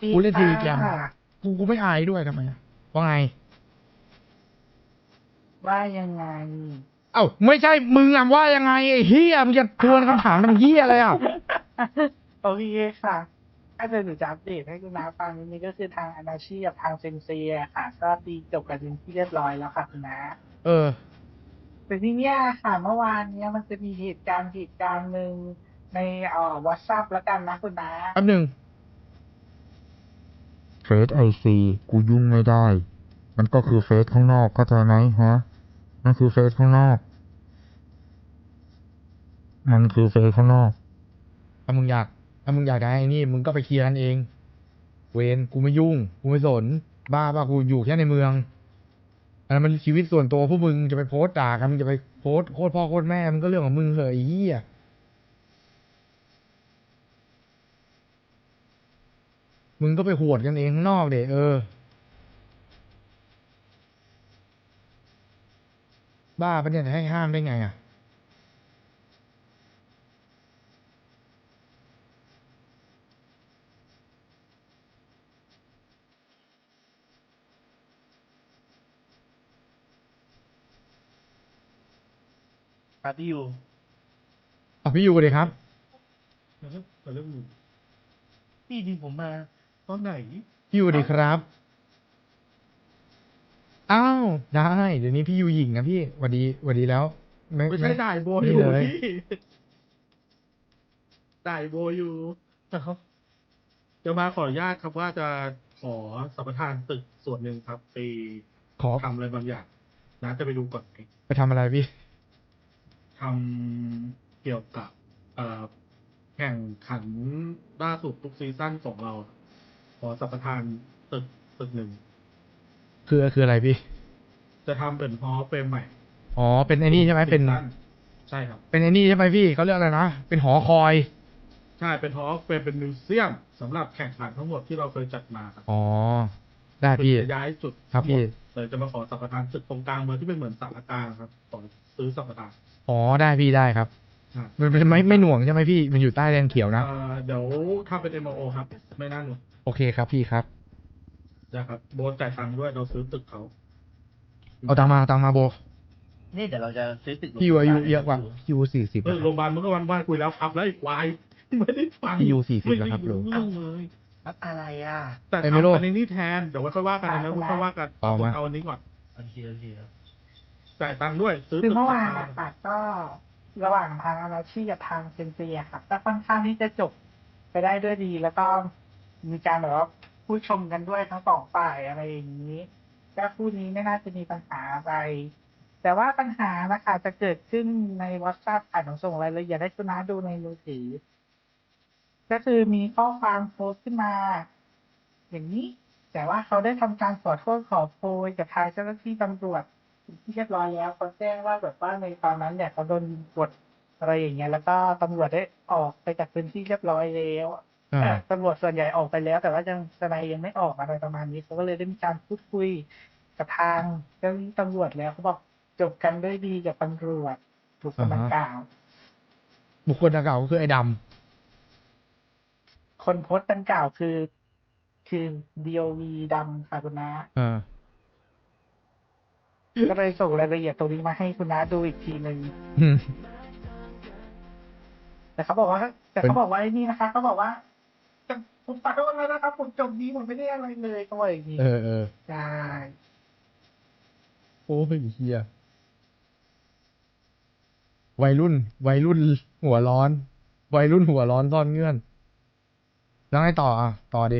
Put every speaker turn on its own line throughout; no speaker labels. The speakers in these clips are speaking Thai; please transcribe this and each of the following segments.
กูเล่นทีแกม
ค่ะ
กูไม่อายด้วยทำไมอะว่าไง
ว่ายังไง
เอ้าไม่ใช่มึงอะว่ายังไงไอ้เฮียมึงจะทวนคำถามทำเฮียอะไรอ่ะ
โอเคค่ะถ้าจะหนูจะอัปเดตให้คุณน้าฟังนิดนึงก็คือทางอนาชีกับทางเซนเซียค่ะก็ตีจบกันเป็นที่เรียบร้อยแล้วค่ะคุณน้า
เออ
แต่ที่เนี้ยค่ะเมื่อวานเนี้ยมันจะมีเหตุการณ์หนึ่งในWhatsApp แล้วกันนะคุณน้า
แป๊บหนึ่งเฟซไอซีกูยุ่งไม่ได้ มันก็คือเฟซข้างนอกเข้าใจไหมฮะมันคือเฟซข้างนอก มันคือเฟซข้างนอก ถ้ามึงอยากถ้ามึงอยากได้ไอ้นี่มึงก็ไปเคลียร์กันเอง เวรกูไม่ยุ่ง กูไม่สน บ้าป่ะกูอยู่แค่ในเมือง อันนั้นมันชีวิตส่วนตัวพวกมึงจะไปโพสต์ด่ากันมึงจะไปโพสต์โคตรพ่อโคตรแม่มันก็เรื่องของมึงเหอะไอ้เหี้ยมึงก็ไปหวดกันเองข้างนอกเดบ้าปะเนี่ยจะให้ห้ามได้ไงอ่ะ
ปาร์ตี้อยู่
อ่ะพี่อยู่เลยครับ
แล้วเรื่องพี่จริงผมมาตอนไหน
พี่อยู่ดีครับ อ้าวได้เดี๋ยวนี้พี่อยู่หญิงนะพี่หวัดดีหวัดดีแล้ว
ไม่ใช่ด่ายโบอ
นี่
ยู่
เลย
พี่ด่ายโบอยู่นะครับจะมาขออนุญาตครับว่าจะขอสัมปทานตึกส่วนหนึ่งครับไป
ขอ
ทำอะไรบางอย่างนะจะไปดูก่อนไหม
ไปทำอะไรพี่
ทำเกี่ยวกับแข่งขันล่าสุดทุกซีซั่นของเรา ขอสัมปทานตึกหนึ่ง
คืออะไรพี่
จะทำเป็นฮอลล์เฟรมใหม่
อ๋อเป็นไอ้นี่ใช่ไหมเป็น
ซีซั่ใช่ครับ
เป็นไอ้นี่ใช่ไหมพี่เขาเรียกอะไรนะเป็นหอคอย
ใช่เป็นฮอลล์เฟรมเป็นมิวเซียมสำหรับแข่งขันทั้งหมดที่เราเคยจัดมาครับ
อ๋อได้พี่
จะย้ายจุด
ครับพี่
เลยจะมาขอสัมปทานจุดตรงกลางเมืองที่เป็นเหมือนสารกลางครับขอซื้อสัมปทาน
อ๋อได้พี่ได้ครับ
อ่า
มันไม่หน่วงใช่ไหมพี่มันอยู่ใต้แดนเขียวนะ
เดี๋ยวทำเป็น MOO ครับ ไม่น่าหนุก
โอเคครับพี่ครับ
นะครับโบนจ่ายตังค์ด้วยเราซื้อตึกเขา
เอาตังมาโบ
นี่เดี๋ยวเราจะซื้อตึก
พี่อยู่อายุเยอะกว่าพี่อยู่40
โรงพยาบาลเมื่อวันคุยแล้วครับแล้วอีกวายไม่ได้ฟัง
พี่อยู่40
ไม่
แล้ว
ได้
ครับลุง
เรื่องเลย
รับอะไรอ่ะ
แต่
ไอ้ไม่รู้
ทำอันนี้แทนเดี๋ยวไว้ค่อยว่ากันนะไว้ค่อยว่ากัน
เอามา
เอาอันนี้ก่อน
โอเคครับ
จ่ายตังค์ด้วยซื้อ
คือ
ตึก
เมื่อวานนะคะก็ระหว่างทางอนาชีกับทางเซนเซียค่ะก็ค่อนข้างที่จะจบไปได้ด้วยดี แล้วก็มีการแบบว่าพูดชมกันด้วยทั้งสองฝ่ายอะไรอย่างนี้ก็คู่นี้ไม่น่าจะมีปัญหาอะไร แต่ว่าปัญหานะคะจะเกิดขึ้นใน WhatsApp ค่ะหนูส่งรายละเอียดให้คุณน้าดูในมือถือ ก็คือมีข้อความโพสต์ขึ้นมา อย่างนี้ แต่ว่าเขาได้ทำการขอโทษขอโพยกับทางเจ้าหน้าที่ตำรวจที่เรียบร้อยแล้วเขาแจ้งว่าแบบว่าในตอนนั้นเนี่ยเขาโดนกดอะไรอย่างเงี้ยแล้วก็ตำรวจได้ออกไปจากพื้นที่เรียบร้อยแล้ว
อ่า
ตำรวจส่วนใหญ่ออกไปแล้ว แต่ว่ายังทนายยังไม่ออกอะไรประมาณนี้เขาก็เลยได้มีการพูดคุยกับทางเจ้าหน้าที่ตำรวจแล้วเขาบอกจบกันด้วยดีกับตำรวจถูกกำลังกล่าว
บุคคลดังกล่าวก็คือไอ้ด
คนโพสต์ดังกล่าวคือ DOV ดำค่ะคุณน้า
ำ
ก็เลยส่งรายละเอียดตรงนี้มาให้คุณน้าดูอีกทีหนึ่ง
อืม
แต่เขาบอกว่าไอ้นี่นะคะเขาบอกว่าผมขอโทษแล้วนะครับผมจบดีผมไม่ได้อะไรเลยเขาบอกอย่างนี้
เออ
ใช่
โอ้ยเฮียวัยรุ่นหัวร้อน วัยรุ่นหัวร้อนซ่อนเงื่อน แล้วไงต่ออ่ะ ต่อดิ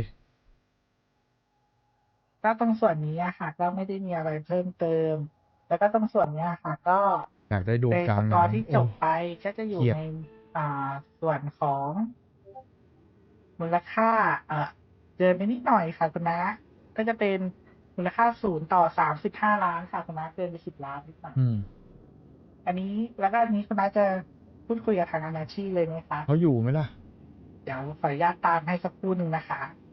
ก็ตรงส่วนนี้อะค่ะ ก็ไม่ได้มีอะไรเพิ่มเติม แล้วก็ตรงส่วนนี้อะค่ะ ก็
อยากได้ดวง
ใน
กลา
ส
ง
กอร์ที่จบ
โอ้
ไปก็จะอยู่
เครียด
ในส่วนของมูลค่าเกินไปนิดหน่อยค่ะคุณน้าก็จะเป็นมูลค่า0 ต่อ 35 ล้านค่ะคุณน้าเกินไป10 ล้านนิดหน่อย
อืม
อันนี้แล้วก็อันนี้คุณน้าจะพูดคุยกับทางอนาชีเลยไหมคะ
เขาอยู่ไหมล่ะ
เดี๋ยวขออนุญาตตามให้สักครู่หนึ่งนะคะ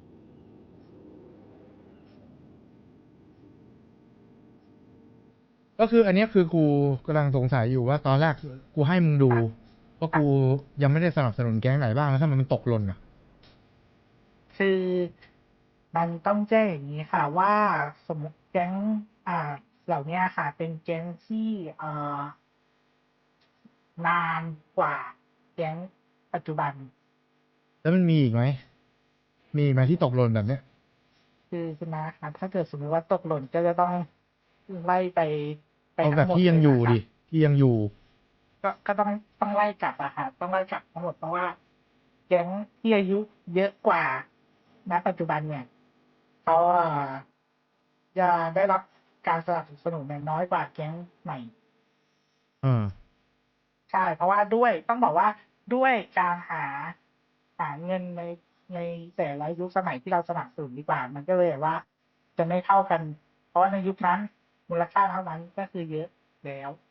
ก็คืออันเนี้ยคือกูกำลังสงสัยอยู่ว่าตอนแรกกูให้มึงดูว่ากูยังไม่ได้สนับสนุนแก๊งไหนบ้างแล้วถ้ามันตกหล่นอ่ะ
คือมันต้องแจ้งอย่างนี้ค่ะว่าสมมติแก๊งเหล่านี้ค่ะ เป็นแก๊งที่นานกว่าแก๊งปัจจุบัน
แล้วมันมีอีกไหมมีอีกไหมที่ตกหล่นแบบเนี้ย
คือคุณน้าค่ะถ้าเกิดสมมติว่าตกหล่นก็จะต้องไล่ไป
เอาแบบ
ทั้งหมด
ที่ยังอยู่
เล
ดิ
ค่ะ
ที่ยังอยู่
ก็ต้องไล่กลับอะค่ะต้องไล่กลับทั้งหมดเพราะว่าแก๊งที่อายุเยอะกว่าณปัจจุบันเนี่ยเขาจะได้รับการสนับสนุนน้อยกว่าแก๊งใหม่
เออ
ใช่ เพราะว่าด้วยต้องบอกว่าด้วยการหาเงินในแต่ละยุคสมัยที่เราสนับสนุนดีกว่า มันก็เลยแบบว่า จะไม่เท่ากัน เพราะว่าในยุคนั้นมูลค่าเท่านั้นก็คือเยอะแล้ว